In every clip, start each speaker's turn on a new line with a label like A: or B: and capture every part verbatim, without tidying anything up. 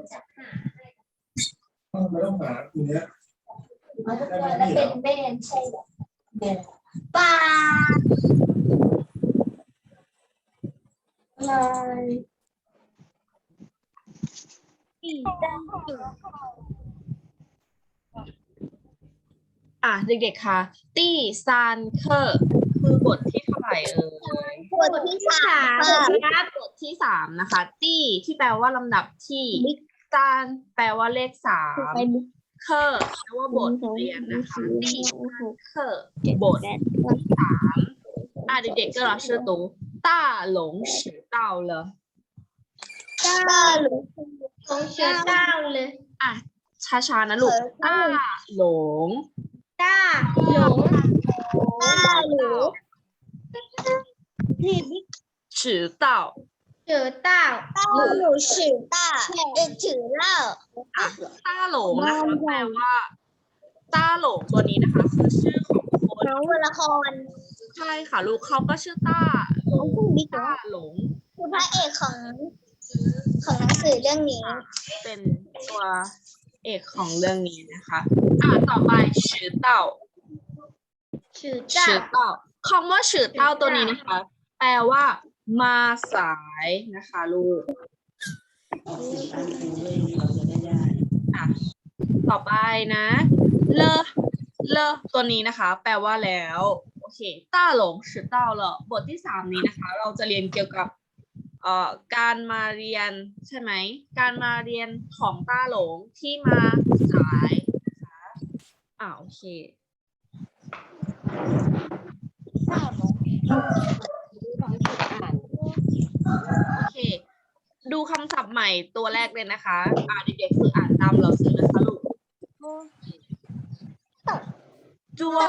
A: ไม่ต้องหาตรงเนี้ย
B: แล้วเป็นไม่เรียนใช่ไหมเรียนปลาเลยอีดัง
C: อ่ะเด็กๆคะตี้ซานเคอร์คือบทที่เท่าไหร่เอ่ย
B: บทที่สามครับ
C: บทที่สามนะคะตี้ที่แปลว่าลำดับที่ซานแปลว่าเลขสามเคอร์แปลว่าบทเรียนนะคะตี้เคอร์บทที่สามอ่ะเด็กๆก็รอชื่อตูต้าหลงสือเต้าเลย
B: เก้าหรือของเชือเก้าเลย
C: อ่ะช้าๆนะลูกต้าหลง
B: เก้าหลงเก้าหรือที่
C: สือเต้า
B: เชือเต้าเก้าหรือชือเต้าเป็นชือเล่า
C: อ่ะต้าหลงนะคะแปลว่าต้าหลงตัวนี้นะคะคือชื่อของคน
B: น้องวรละคร
C: ใช่ค่ะลูกเขาก็ชื่อต้าหลงต้าหลง
B: คือพระเอกของของหนังสือเรื่องนี้
C: เป็นตัวเอกของเรื่องนี้นะคะอ่ะต่อไปชื่อเต้า
B: ชื่อเจ้า
C: ชื่อเต้าคำว่าชื่อเต้าตัวนี้นะคะ แปลว่ามาสายนะคะลูกอ่ะต่อไปนะเลอเลอตัวนี้นะคะ แปลว่าแล้วโอเคต้าหลงชื่อเต้าเหรอบทที่สามนี้นะคะ เราจะเรียนเกี่ยวกับเอ่อการมาเรียนใช่ไหมการมาเรียนของต้าหลงที่มาสายนะคะอ่าโอเคโอเคดูคำศัพท์ใหม่ตัวแรกเลยนะคะอ่าเด็กๆฝึกอ่านตามเราซื้อนะคะลูกจัว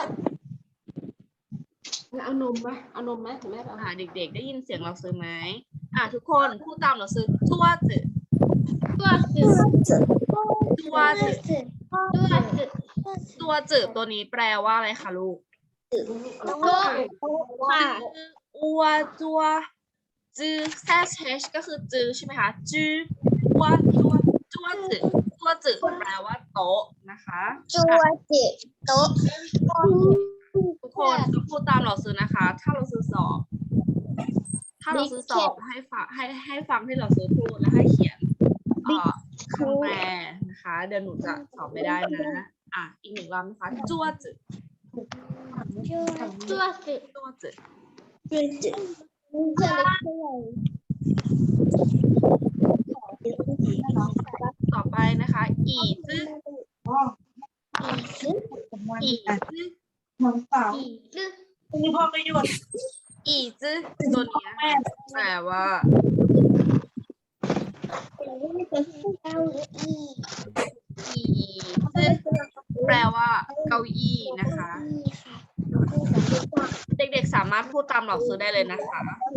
D: เอานมไหมเอานมไหมถึงแม่เอา
C: อ่าเด็กๆได้ยินเสียงเราซื้อไหมอ่าทุกคนพูดตามเราซื้อจัวจือ
B: ตัวจืด
C: จัวจือ
B: ตัวจืด
C: ตัวจือตัวนี้แปลว่าอะไรคะลูก
B: ตัวค่ะ
C: อัวจัวจือแซชเชก็คือจือใช่ไหมคะจืออัวจัวจัวจือจัวจือแปลว่าโต๊ะนะคะ
B: ตัวจืดโต๊ะ
C: ทุกคนต้องพูดตามเราซื้อนะคะ ถ้าเราซื้อสอบ ถ้าเราซื้อสอบให้ฟังให้ให้ฟังที่เราซื้อพูดแล้วให้เขียนเอ่อคำแปลนะคะ เดี๋ยวหนูจะสอบไม่ได้นะ อ่ะอีกหนึ่งรอบนะคะจัวจือ
B: ตัวจืด
C: จัวจือ
B: จืดจืดจะเล็กเท่าไหร่
C: ต่อไปนะคะ อีจือ
B: อีก
C: อีจือ
A: น้องสาว
B: อีกลึก
A: นี่พ่อไม่หยุด
C: อีจื้อตัวนี้นะคะแปลว่า
B: เก้าอี้
C: อีจื้อแปลว่า เก้าอี้นะคะ เด็กๆสามารถพูดตามหลักสูตรได้เลยนะคะ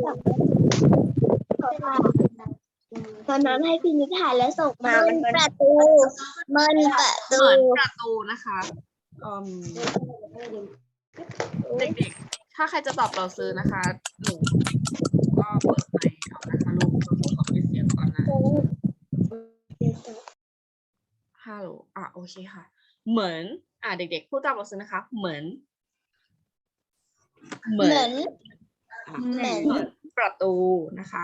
B: ตอนนั้นให้พี่นิทานแล้วส่งมามันประตู มันประตู
C: เหมือนประตูนะคะอืมเด็กๆถ้าใครจะตอบเราซื้อนะคะหนูก็เปิดไมค์เอานะคะลูกเราขอปิดเสียงก่อนนะฮัลโหลอ่ะโอเคค่ะ เหมือนอ่ะเด็กๆพูดตามเราซื้อนะคะ เหมือน
B: เหมือน
C: อ่ะ
B: เหมือน
C: เหมือนประตูนะคะ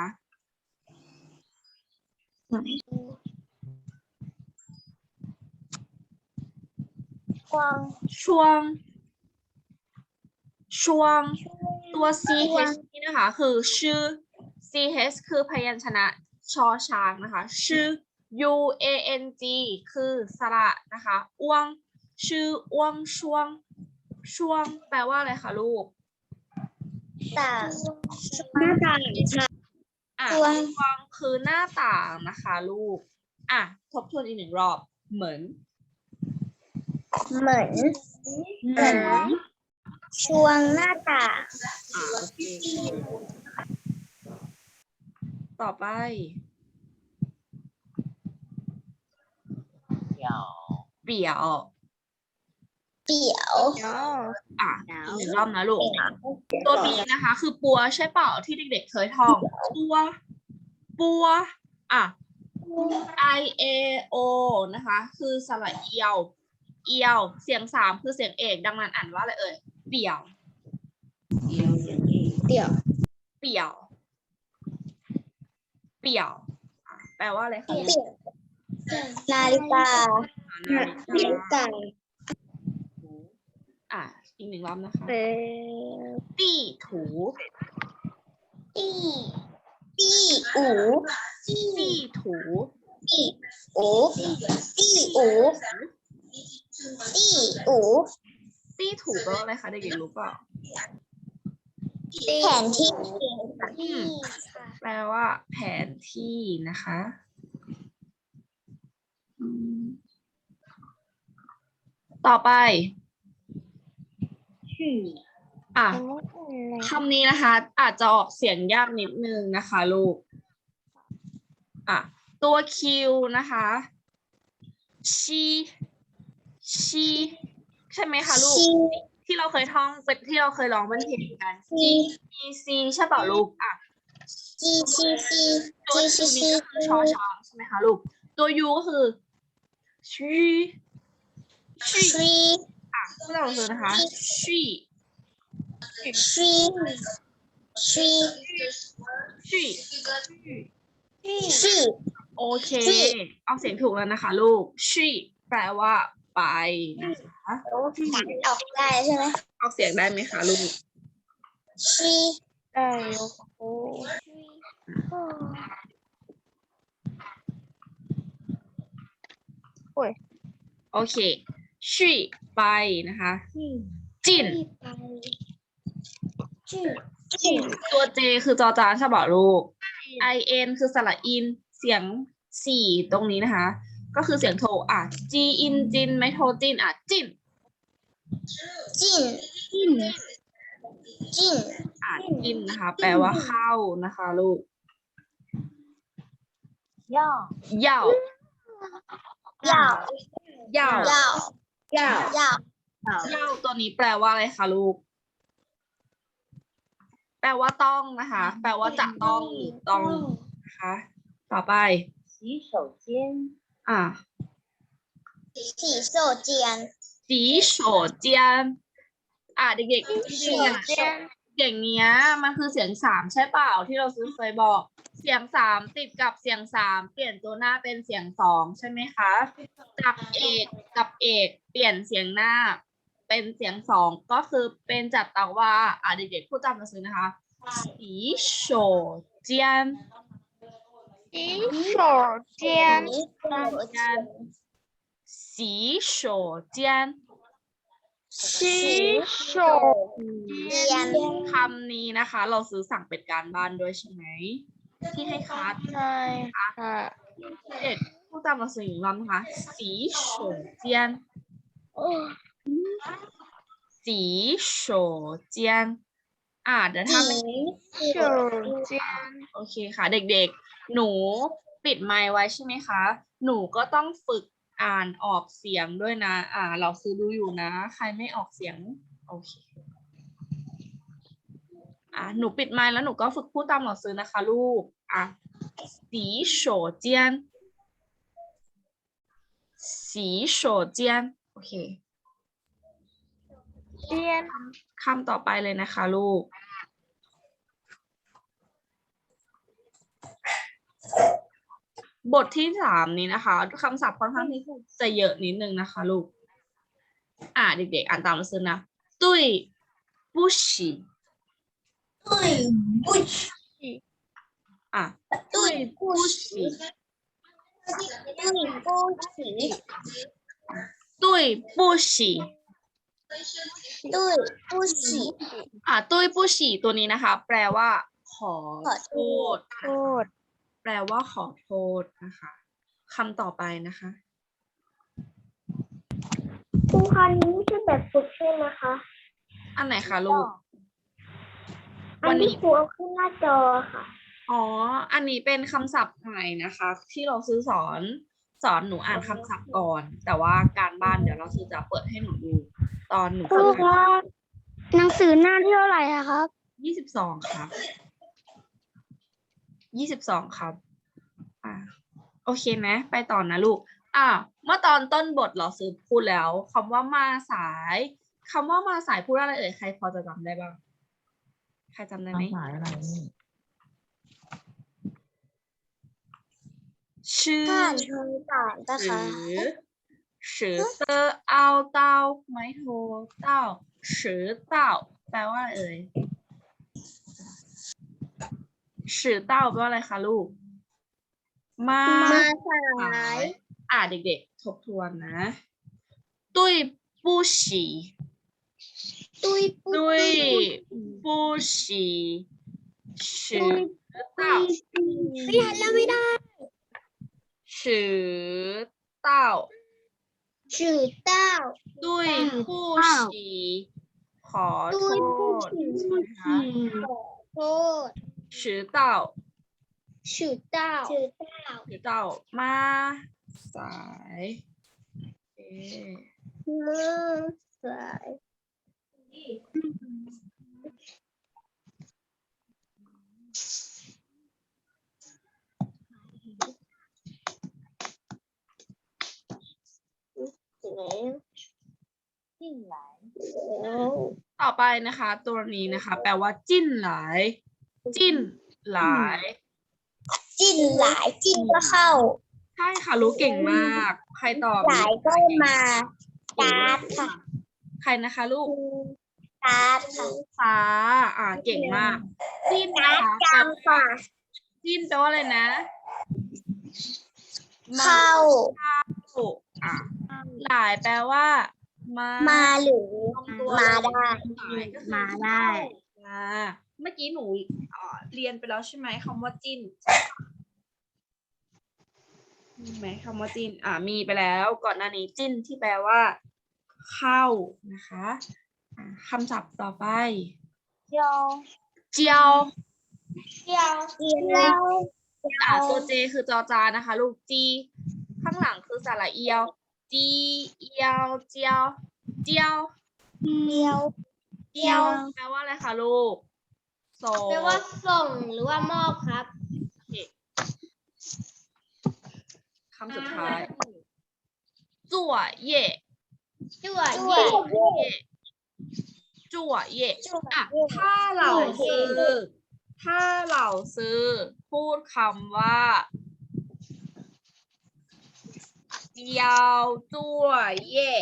B: กวาง
C: ช่วง ช่วง ตัว ch นี่นะคะ คือชื่อ ch คือพยัญชนะชอช้างนะคะ ชื่อ u a n g คือสระนะคะอ้วง ชื่ออ้วงช่วง ช่วง แปลว่าอะไรคะลูก
B: ต่างหน้าต่างค่ะ
C: อ่ะ
B: ช่วง
C: ช่วงคือหน้าต่างนะคะลูก อ่ะ ทบทวนอีกหนึ่งรอบ เหมือน
B: เหมือน เหมือนช่วงหน้าต่าง
C: อ่าโอเคต่อไป เปี่ยว
B: เปี่ยว
C: อ่ะอีกหนึ่งรอบนะลูก ตัวนี้นะคะ คือปัวใช่เปล่าที่เด็กๆเคยท่อง ปัว ปัว อ่ะ I A O นะคะ คือสระเอียว เอียว เสียงสามคือเสียงเอก ดังนั้นอ่านว่าอะไรเอ่ย เปี่ยว
B: เดี่ยว
C: เปี่ยว เปี่ยวอ่ะแปลว่าอะไรคะ
B: เปี่ยวนาฬิกา
C: นา
B: นาฬิ
C: ฬิกาก
B: า
C: อ่ะ อีกหนึ่งรอบนะคะ
B: เป็น
C: ตี้ถู
B: ตี้ตี้อู
C: ตี้ถู
B: ตี้อูตี้อูตี้อู
C: ตี้ถูแปลว่าอะไรคะเด็กๆรู้เปล่า
B: แผนที่
C: อืม แปลว่าแผนที่นะคะอืมต่อไป อ่ะคำนี้นะคะ อาจจะออกเสียงยากนิดนึงนะคะลูก อ่ะ ตัวคิวนะคะชีชีใช่ไหมคะลูก
B: ชี
C: ที่เราเคยท่องเป็นที่เราเคยร้องเป็นเพลงกัน
B: ชี
C: G E C ใช่เปล่าลูก อ่ะ
B: จีซีซี
C: ตัว
B: จี
C: Q
B: ซีซี
C: นี้ก็คือชอช้างใช่ไหมคะลูก ตัว U ก็คือชีชี
B: ทรี
C: อ่ะพวกเราซื้อนะคะชี
B: ทรีทรี
C: ชี
B: ทรี
C: โอเค เอาเสียงถูกแล้วนะคะลูกชีแปลว่าไปนะคะ
B: ออกได้ใช่ไหม
C: เอาเสียงได้ไหมคะลูก
B: ทรีได้โอ้
C: โอเคชีไปนะคะจิน
B: จีจี
C: ตัว J คือจอจานใช่เปล่าลูก I N คือสระอิน เสียงสี่ตรงนี้นะคะ ก็คือเสียงโทอ่ะ G in จินไม่โทจินอ่ะจิน
B: จินจินจิน
C: อ่ะจินนะคะ แปลว่าเข้านะคะลูก
B: ย่อ
C: เย่า
B: ย่อ
C: เย่า
B: ย่อ
C: เย่า
B: ย่อ
C: เย่าตัวนี้แปลว่าอะไรคะลูก แปลว่าต้องนะคะ แปลว่าจะต้องหรือต้องนะคะ ต่อไป洗手间อ่ะ
B: สีโซเจียน
C: สีโฉเจียนอ่ะเด็กๆจริงๆอ่ะอย่างเนี้ยมันคือเสียงสามใช่เปล่าที่เราซื้อเคยบอก เสียงสามติดกับเสียงสามเปลี่ยนตัวหน้าเป็นเสียงสองใช่ไหมคะจากเอกกับเอกเปลี่ยนเสียงหน้าเป็นเสียงสองก็คือเป็นจัดตาวาอ่ะเด็กๆพูดจำมาซื้อนะคะสีโฉเจียน
B: สีโซเจียน
C: สีโฉเจียน
B: สีโซเจียน
C: คำนี้นะคะ เราซื้อสั่งเป็นการบ้านด้วยใช่ไหมที่ให้คัด
B: ใช่ค่ะ
C: เด็กพูดตามมาสื่อลำนะคะสีโฉเจียนสีโฉเจียนอ่าเดี๋ยวถ้าไม่
B: สีโซเจียน
C: โอเคค่ะ เด็กๆ หนูปิดไมค์ไว้ใช่ไหมคะ หนูก็ต้องฝึกอ่านออกเสียงด้วยนะ อ่า เราซื้อดูอยู่นะ ใครไม่ออกเสียง โอเค อ่าหนูปิดไมค์แล้วหนูก็ฝึกพูดตามหนังสือนะคะลูก อ่ะสีโฉเจียนสีโฉเจียน โอเค
B: เจียน
C: คำต่อไปเลยนะคะลูก บทที่สามนี้นะคะคำศัพท์ค่อนข้างที่จะเยอะนิดนึงนะคะลูก อ่าเด็กๆอ่านตามหนังสือนะตุ้ยบุชิตุ้ยบุชิอ่ะตุ้ยบุชิ
B: ตุ้ยปูฉี
C: ตุ้ยบุชิ
B: ตุ้ยปูฉี
C: อ่ะตุ้ยบุชิตัวนี้นะคะ แปลว่า ขอ
B: ขอ
C: โท
B: โท
C: ษ
B: ษ
C: แปลว่าขอโทษนะคะคำต่อไปนะคะ
B: ครูคะนี้ไม่ใช่แบบฝึกใช่ไหมคะ
C: อันไหนคะลูก
B: อั
C: วัน น
B: ที่
C: นี้
B: ครูเอาขึ้นหน้าจอค่ะ
C: อ๋อ อันนี้เป็นคำศัพท์ใหม่นะคะ ที่เราซื้อสอนสอนหนูอ่านคำศัพท์ก่อน แต่ว่าการบ้านเดี๋ยวเราซื้อจะเปิดให้หนูดู ตอนหนู
B: ครู
C: ฝึก
B: ครับหนังสือหน้าที่เท่าไหร่อะครับ
C: ยี่สิบสองครับยี่สิบสองครับ อ่าโออเคไหมไปต่อนะลูกอ่ะเมื่อตอนต้นบทเราซื้อพูดแล้วคำว่ามาสายคำว่ามาสายพูดอะไรเอ่ยใครพอจะจำได้บ้างใครจำได้ไหม
E: หมายอะไรนี่
C: ชื่อ
B: ผ่านทางต่างนะ
C: หรื
B: คะ
C: อสือเตอเอาเต้าไม้โทเต้าสือเต้าแปลว่าอะไรเอ่ยสือเต้าแปลว่าอะไรคะลูกมา
B: มาสา
C: สาย ยอ่าเด็กๆทบทวนนะตุ้ยปู้ฉี
B: ตุยปุ
C: ตุ้ย
B: ย
C: ปู้ฉีสือเต้า
B: ไม่ทันแล้วไม่ได้
C: สือเต้า
B: ชื่อเต้า
C: ตุ้ยผู้ฉีขอโท
B: ตุ้ยผู้
C: ษ
B: ฉี่
C: นะคะ
B: ขอโทษ
C: 迟到
B: ชื่อเต้าชื่อเต้า
C: 迟到มาสายโอเค
B: มือสาย แล้ว
C: ต่อไปนะคะ ตัวนี้นะคะ แปลว่าจิ้นหลาย จิ้นหลาย
B: จิ้นหลายจิ้นก็เข้า
C: ใช่ค่ะรู้เก่งมาก ใครตอบ
B: หลายก็มาการ์ดค่ะ
C: ใครนะคะลูก
B: การ์ดค่ะ
C: ฟ้าอ่าเก่งมาก จิ้น
B: การ์
C: นะ
B: ด
C: คะ
B: จำค่ะ
C: จิ้นแปลว่าอะไรนะมา
B: เข้า
C: อ่ะหลายแปลว่า มา
B: มาหรือ
C: ตรงตัว
B: มาได้
C: หลายก็คือ
B: มาได้
C: อ่าเมื่อกี้หนูเอ่อเรียนไปแล้วใช่ไหมคำว่าจิ้นมีไหมคำว่าจิ้นอ่ามีไปแล้วก่อนหน้านี้จิ้นที่แปลว่า เข้านะคะอ่าคำศัพท์ต่อไป
B: เจียว
C: เจียว
B: เจียวเจียว
C: อ่าตัวเจคือจอจานะคะ ลูกจีข้างหลังคือสระเอียวจีเอียวเจียวเจียว
B: เจียว
C: เจียวแปลว่าอะไรคะลูกส่ง
B: แปลว่าส่งหรือว่ามอบครับ
C: คำสุดท้ายจั่วเย่
B: จั่ว
C: จั่ว
B: เย่
C: เย่จั่วเย่
B: จั่ว
C: อ่ะ
B: เย่
C: ถ้าเรา
B: จั่วเย่
C: ซื้อ ถ้าเราซื้อ พูดคำว่าเจียวจั่วเย่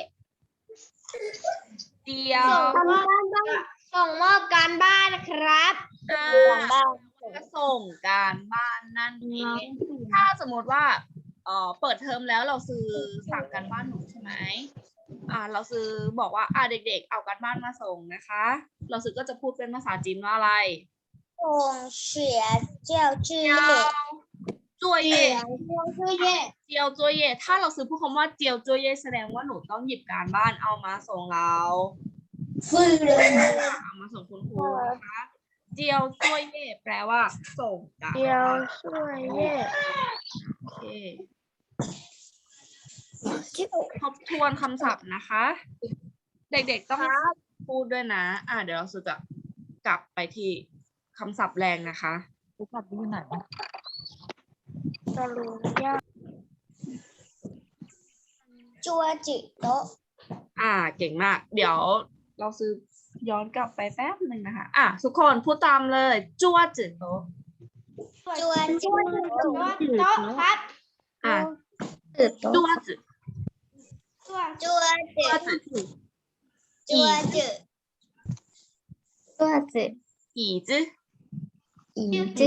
C: เจียว
B: ส่งมอบส่งมอบการบ้านนะครับ
C: อ่า
B: การบ้าน
C: จะส่งการบ้านนั่นเอง ถ้าสมมติว่าเอ่อเปิดเทอมแล้วเราซื้อสั่งการบ้านหนูใช่ไหมอ่า เราซื้อบอกว่าอ่าเด็กๆ เอาการบ้านมาส่งนะคะ เราซื้อก็จะพูดเป็นภาษาจีนว่าอะไร
B: ส่งเสียเจียวจื้อ
C: เจียวจั่ว
B: เจี
C: เย่
B: ยวเจียวจื้อเย่
C: เจียวจั่วเย่ถ้าเราซื้อพูดคำว่าเจียวจั่วเย่แสดงว่าหนูต้องหยิบการบ้านเอามาส่งเรา
B: ฟื้นเลย
C: เอามาส่งคุณครูนะคะเจียวจั่วเย่แปลว่าส่งการ
B: เจียว
C: บ้าน
B: จื้อเย่
C: โอเค ทบทวนคำศัพท์นะคะ เด็กๆต้องพูดด้วยนะ อ่าเดี๋ยวเราจะกลับไปที่คำศัพท์แรงนะคะ
E: รู้จักที่ไหน
B: ตะลุงย่าจัวจิโตะ
C: อ่า เก่งมาก เดี๋ยวเราซื้อย้อนกลับไปแป๊บหนึ่งนะคะ อ่ะทุกคนพูดตามเลยจั่วจืดโตะ
B: จัวจิโตะโต๊ะครับ
C: อ่ะ
B: จืดโตะ
C: จั่วจืด
B: จัวจัวจิ
C: จั่วจืด
B: จัวจิจัวจิ
C: 椅子
B: อีจิ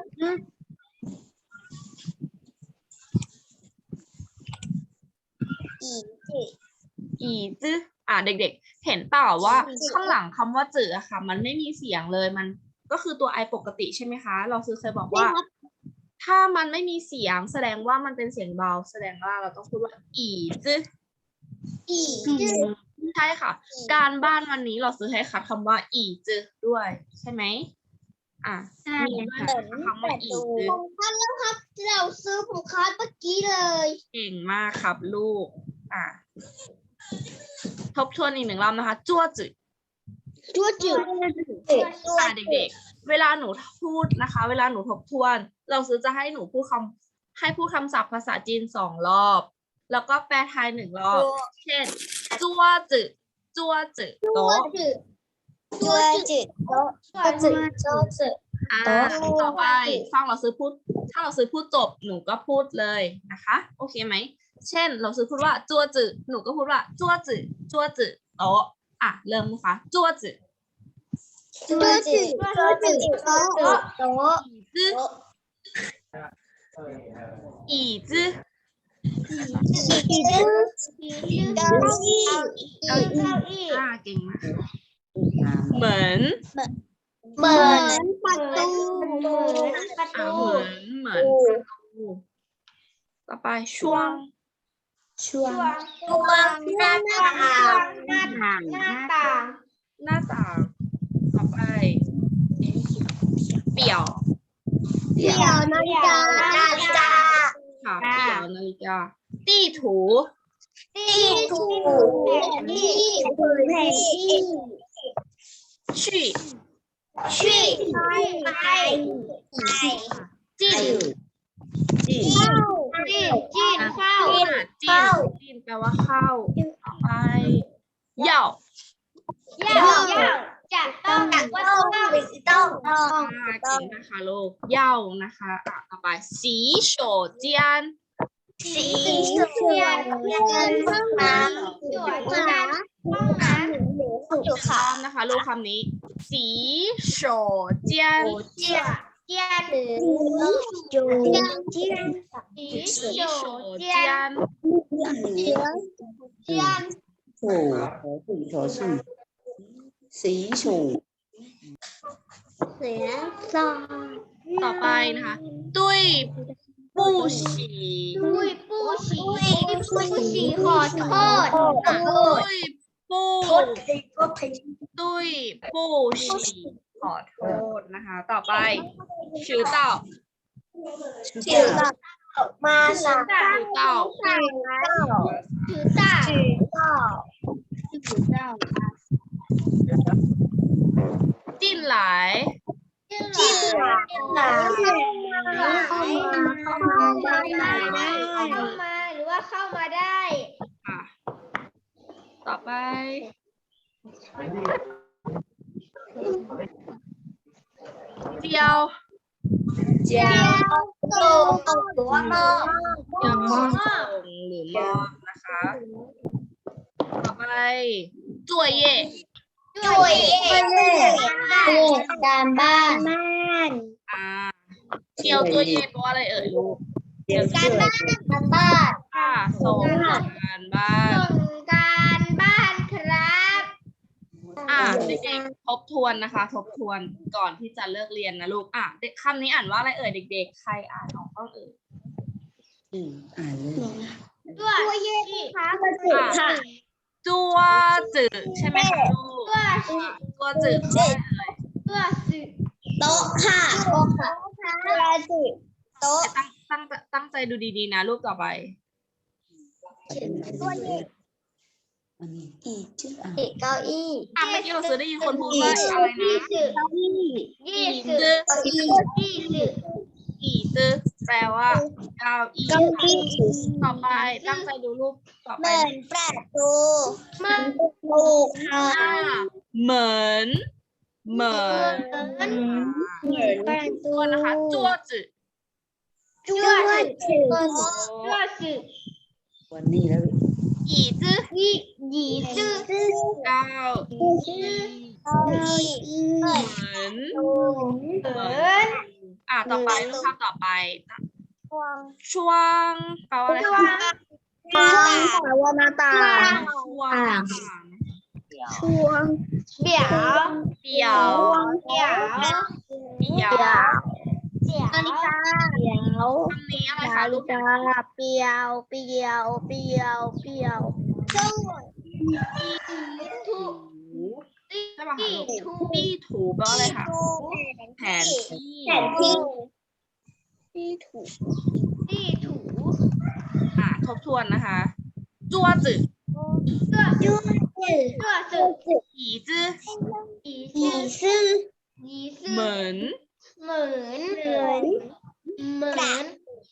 B: อีจิ
C: 椅子อ่ะเด็กๆ เห็นเปล่าว่าข้างหลังคำว่าจืดอะค่ะ มันไม่มีเสียงเลยมันก็คือตัวไอปกติใช่ไหมคะ เราซื้อเคยบอกว่า ถ้ามันไม่มีเสียงแสดงว่ามันเป็นเสียงเบา แสดงว่าเราต้องพูดว่าอีจื้อ
B: อีจิ
C: ใช่ค่ะ การบ้านวันนี้เราซื้อให้คัดคำว่าอีจื้อด้วย ใช่ไหมอ่ะมีด้วยนะคะคำว่าอีจื้อ
B: ผมคัดแล้วครับเราซื้อผมคัดเมื่อกี้เลย
C: เก่งมากครับลูก อ่ะทบทวนอีกหนึ่งรอบนะคะจั่วจื้อ
B: จัวจิจัว
C: อ่ะเด็กๆ เวลาหนูพูดนะคะ เวลาหนูทบทวน เราซื้อจะให้หนูพูดคให้พูดคำศัพท์ภาษาจีนสองรอบ แล้วก็แปลไทยหนึ่งรอบ เช่นจัวจือจัวจือโต๊ะ
B: จัวจืดโต๊ะจัวจืดโต๊ะจืด
C: อ่า
B: โต๊ะ
C: ต่อไปฟังเราซื้อพูด ถ้าเราซื้อพูดจบหนูก็พูดเลยนะคะ โอเคไหม เช่น เราซื้อพูดว่าจัวจือหนูก็พูดว่าจัวจือจัวจือโต๊ะอ่ะเริ่มนะคะจัวจือ
B: จัวจืดจัวจืดโต๊ะโต๊ะ
C: จื้อ椅子
B: อีจื้อเก้าอี้
C: เก้าอี้อ่าเก่งมากเหมือน
B: เหมือนประตูเหมือนประ
C: อ่า
B: ตู
C: เหมือนเหมือนประตูต่อไปช่วง
B: ช่วงช่วงหน้าต่างหน้าต่างหน้าต่าง
C: หน้าต่างต่อไปเปี่ยว
B: เดี่ยวนาฬิกานาฬิกา
C: ค่ะเปี่ยวนาฬิกาตี้ถู
B: ที่ถูกที่ถูกแผนที่
C: ชี่
B: ชี่ไปไปไป
C: จิ้น
B: เข้าจิ้นจิ้นเข้า
C: อ่ะจิ้นจิ้นแปลว่าเข้าต่อไปเหย่า
B: เย่าจะต้องว่าต้องหรือต้องต้อง
C: อ่าเก่งนะคะลูกเหย่านะคะอ่ะต่อไปสีโฉเจียน
B: สีเขียวห้องน้ำอยู่ห้องน้ำห้องน้ำอยู่
C: พร้
B: ค่ะ
C: อมนะคะลูกคำนี้สีโฉเจียน
B: เจียเจียนหรือจูเจียนเจียนสี
C: สีโฉ
B: เจี
C: เจี
B: ย
C: ย
B: น
C: น
B: เจียนเจียน
E: 楚和对头是习楚
B: เสือซอ
C: ต่อไปนะคะตุ้ยปู้ฉี
B: ปุ้ยปู้ฉีปุ้ยฉีขอโทษ
C: ตุ้ยปู้
B: โทษทีโทษที
C: ตุ้ยปู้ฉีขอโทษนะคะ ต่อไปชื่อเต่า
B: เสือมาสาม
C: ชื่อเต่า
B: ถือตาถือตา
C: จิ้นหลาย
B: จิ้นหลายจิ้นหลายเข้ามาเข้ามาได้เข้ามาหรือว่าเข้ามาได้
C: ค่ะ ต่อไปเจียว
B: เจียวโตหรือว่าหม้อ
C: เจียวแปลว่าส่งหรือมอบนะคะ ต่อไปจั่วเย่
B: ช่วยเองการบ้านบ้าน
C: อ่าเจียวจั่วเย่แปลว่าอะไรเอ่ยลูก
E: เดี๋ยว
B: การ
E: ชื่อ
B: บ้านการบ้าน
C: ค่ะส่งการบ้าน
B: ส่งการบ้านครับ
C: อ่าเด็กๆทบทวนนะคะ ทบทวนก่อนที่จะเลิกเรียนนะลูกอ่ะเด็กคำนี้อ่านว่าอะไรเอ่ยเด็กๆ ใครอ่านออกบ้างเอ่ย
E: อืมอ่านเลย
B: ช่วยเองครับ
C: ค่ะจัวจือใช่ไหมคะลูก
B: ตัว
C: ค่ะจัวจือแปลว่าอะไรเอ่ย
B: ตัวสื่อโต๊ะค่ะโต๊ะค่ะตัวสื่อโต๊ะ
C: ตั้งตั้งตั้งใจดูดีๆนะรูปต่อไป
B: ตัวเย็น
E: อันนี้อีกชื่ออ่าน
B: เก้าอี้
C: อ่ะเมื่อกี้เราซื้อได้ยินคนพูดว่าอะไรนะ
B: เก้าอี้ยี่สิบ
C: จื้อ
B: ยี่สิบ
C: อีจื้อแปลว่าเก้าอี้
B: เก้าอี้
C: ต่อไปตั้งใจดูรูปต่อ
B: เห
C: ไป
B: มือนประตูเหมือนประตูค่ะ
C: อ่าเหมือนเหมือน
B: เหมือนประตู
C: ตัวนะคะจัวจือ
B: จ้วจืดจ้วจืด
E: วันนี้แล้ว
C: อีจื้อ
B: ยี่ยี่จืด
C: เก้า
B: จืดเก้าอี้เหมือน
C: เหมือน
B: เหมือน
C: อ่ะต่อไปรูปภาพต่อไป
B: ช่วง
C: ช่วงแปลว่าอะไร
B: ช่ว
C: คะ
B: งช่วงวันต่าง
C: ช่วง
B: ช่วงเดี๋ยว
C: เดี่ยว
B: เดี๋ยว
C: เดี่ยว
B: เดี๋ยวนาฬิกาเดี๋ยว
C: คำนี้อะไร
B: นา
C: คะ
B: ฬิ
C: ลูก
B: กาเปียวเปียวเปียวเปียวช่วงถู
C: ใช่ป่ะคะลูกตี้ถูแปลว่าอะไรคะแผนที่
B: แผนที่ที่ถูที่ถู
C: อ่ะทบทวนนะคะจัวจือ
B: ตัวจืดตัวจืด
C: อีจื้อ
B: อีซื่ออีซื่อ
C: เหมือน
B: เหมือนเหมือนเหมือน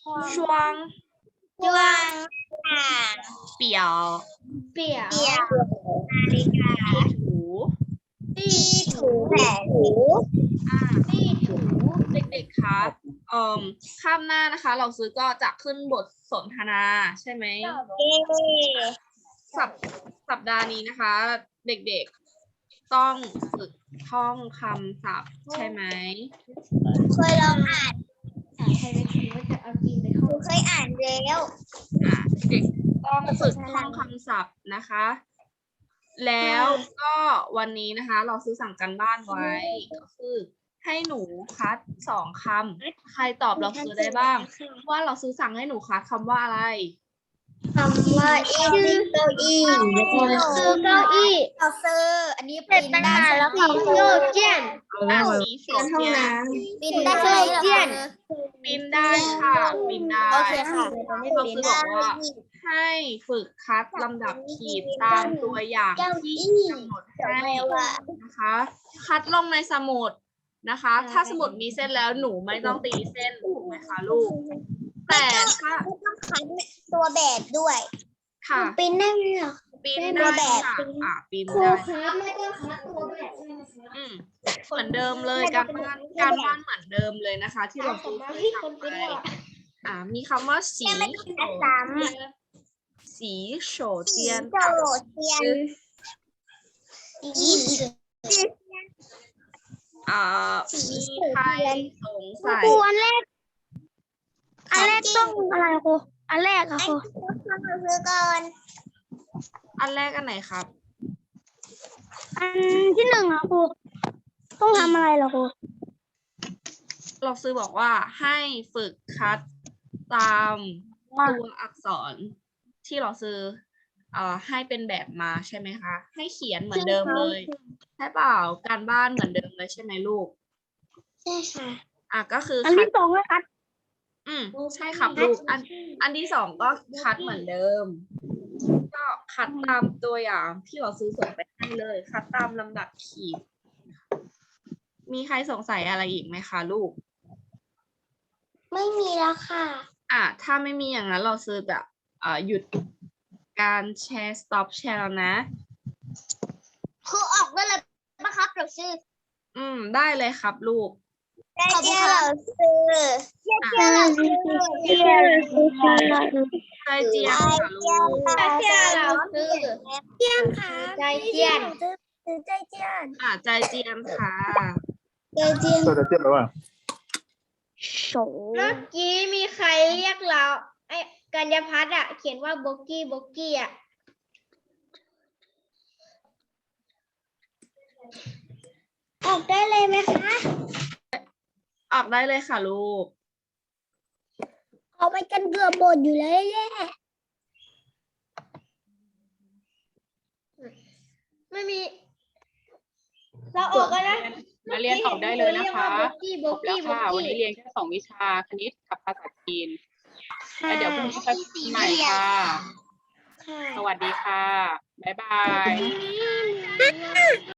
C: ช่วง
B: ดวงตา
C: เปี่ยว
B: เปี่ยวนาฬิกา
C: ถู
B: ที่ถูแผลหู
C: อ่า
B: ที่ถู
C: เด็กๆคะเอ่อข้ามหน้านะคะ เราซื้อก็จะขึ้นบทสนทนาใช่ไหม
B: เอ๊ะ
C: สัปสัปดาห์นี้นะคะ เด็กๆต้องฝึกท่องคำศัพท์ใช่ไหม
B: เคยลองอ่าน
D: ใครได้คิดว่าจะเอาจีนไป
B: ห
D: เข้า
B: นูเคยอ่านแล้ว
C: อ่ะเด็กต้องฝึกท่องคำศัพท์นะคะ แล้วก็วันนี้นะคะ เราซื้อสั่งกันบ้านไว้ ก็คือให้หนูคัดสองคำใครตอบเราซื้อได้บ้าง ว่าเราซื้อสั่งให้หนูคัดคำว่าอะไร
B: คำว่าอีชื่อเก้าอี้ซื้อเก้าอี้เราซื้ออันนี้ปีนได้แล้วค่ะโยเจียน
C: อ่ะสีโฉดเจียน
B: ปีนได้ใช่ไหมเจียน
C: ปีนได้ค่ะปีนได้
B: โอเคค่ะ
C: เราซื้อบอกว่า ให้ฝึกคัดลำดับขีดตามตัวอย่างที่กำหนดให้นะคะ คัดลงในสมุดนะคะ ถ้าสมุดมีเส้นแล้วหนูไม่ต้องตีเส้นถูกไหมคะลูก แต่ถ้า
B: ไม่ต้องคัดตัวแบบด้วย
C: ค่ะ
B: ปีนได้ไหมหรอ
C: ปีน
B: เป็น
C: ได้
B: แบบ
C: ค่ะอ่ะปีน
B: ครู
C: ได้
B: ครับไม่ต้องคัดตัวแบบด้วยนะคะ
C: อืมเหมือนเดิมเลยการบ้านการบ้านเหมือนเดิมเลยนะคะ ที่เราซื้อ
B: มา
C: ซื้อ
B: ที่ค
C: สั่
B: น
C: ง
B: เป็น
C: ไป
B: หรอ
C: อ่ามีคำว่าสี
B: ไม่ต้องคัดซ้ำ
C: สีโฉด
B: สี
C: เจียน
B: โจเทียนสี
C: อ่ามีใครสงสัย
B: ครูอันแรก อันแรกต้องอะไรครูอันแรกอะครูต้องซื้อก่อน
C: อันแรกอันไหนครับ
B: อันที่หนึ่งอะครูต้องทำอะไรเหรอครู
C: เราซื้อบอกว่าให้ฝึกคัดตามตัวอักษรที่เราซื้อเอ่อให้เป็นแบบมาใช่ไหมคะ ให้เขียนเหมือนเดิมเลยใช่เปล่าการบ้านเหมือนเดิมเลยใช่ไหมลูก
B: ใช่ค่ะ
C: อ่ะก็คือ
B: อัน
C: คัด
B: ที่สองเลยครับ
C: อืมใช่ครับลูกอันอันที่สองก็คัดเหมือนเดิม ก็คัดตามตัวอย่างที่เราซื้อส่งไปให้เลย คัดตามลำดับขีด มีใครสงสัยอะไรอีกไหมคะลูก
B: ไม่มีแล้วค่ะ
C: อ่ะถ้าไม่มีอย่างนั้นเราซื้อแบบอ่าหยุดการแชร์ stop แชร์แล้วนะ
B: ครูออกได้เลยปะครับเราซื้อ
C: อืมได้เลยครับลูก
B: ได้เจ้าเราซื้อเจ้าเราซื้อเจ้าเราซื้อ
C: ใจเจียนค่ะลูก
B: เจ้าเราซื้อเจียนค่ะใจเจียนซื้อใจเจียน
C: อ่ะใจเจียนค่ะ
B: ใจเจียน
A: ตัวจะเจ็บหรือเปล่า
B: เมื่อกี้มีใครเรียกเราไอ้กัญญาพัฒน์อะเขียนว่าโบกี้โบกี้อะออกได้เลยไหมคะ
C: ออกได้เลยค่ะลูก
B: ออกไปกันเกือบหมดอยู่แล้วแย่ไม่มี เราออกกันนะ
F: มาเรียนออกได้เลยนะคะ
B: โบกี้โบ
F: จบแล้
B: กี้
F: ว
B: โบ
F: ค่ะ วันนี้
B: กี้
F: เรียนแค่สองวิชาคณิตกับภาษาจีนแล้วเดี๋ยวพรุ่งนี้จะใหม่ค่ะ
B: ค่ะ
F: สวัสดีค่ะ บ๊ายบาย
B: ค่ะ